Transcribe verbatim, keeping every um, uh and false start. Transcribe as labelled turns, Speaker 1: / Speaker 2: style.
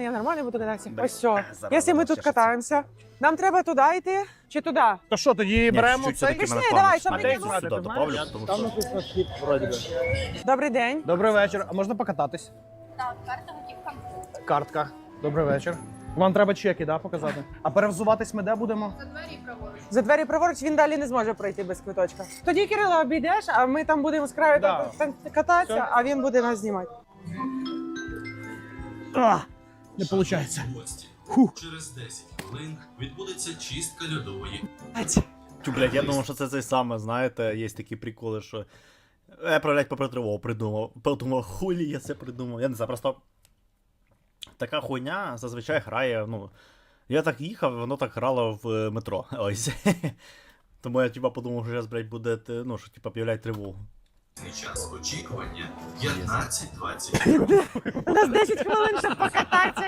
Speaker 1: я нормально буду кататися.
Speaker 2: Да.
Speaker 1: Ось все.
Speaker 2: Зараз
Speaker 1: Якщо ми
Speaker 2: воно
Speaker 1: тут
Speaker 2: чешеться.
Speaker 1: катаємося, нам треба туди йти чи туди?
Speaker 3: То що, тоді беремо
Speaker 2: чуть-чуть
Speaker 3: цей?
Speaker 2: все-таки
Speaker 1: Пішли,
Speaker 2: мене
Speaker 1: давай,
Speaker 2: плавно
Speaker 1: щоб
Speaker 2: сюди
Speaker 1: мені
Speaker 3: було.
Speaker 2: сюди
Speaker 3: Ти
Speaker 2: доправлю,
Speaker 3: знаєш?
Speaker 2: тому
Speaker 3: Там
Speaker 2: що...
Speaker 3: написано схід, вроді би.
Speaker 1: Добрий день.
Speaker 3: Добрий вечір. А можна покататись?
Speaker 4: Так, карта готівка.
Speaker 3: Картка. Добрий вечір. Вам треба чеки, да, показати? А перевзуватись ми де будемо?
Speaker 4: За двері праворуч.
Speaker 1: За двері праворуч він далі не зможе пройти без квиточка. Тоді Кирило обійдеш, а ми там будемо з краю
Speaker 3: Да.
Speaker 1: там кататися,
Speaker 3: Все.
Speaker 1: а він буде нас знімати.
Speaker 3: А, не виходить.
Speaker 5: Гості.
Speaker 3: Фух.
Speaker 5: Через десять хвилин відбудеться чистка льодової.
Speaker 2: Тю, блядь, я думав, що це те саме, знаєте, є такі приколи, що... Я, блядь, попри тривогу придумав. Подумав, хулі я це придумав. Я не знаю, просто... Така хуйня зазвичай грає, ну... Я так їхав, воно так грало в метро. Ось. Тому я, типа, подумав, що зараз, блядь, буде, ну, що, типа, об'являють тривогу.
Speaker 5: Час очікування п'ятнадцять двадцять.
Speaker 1: У нас десять хвилин, щоб покататися.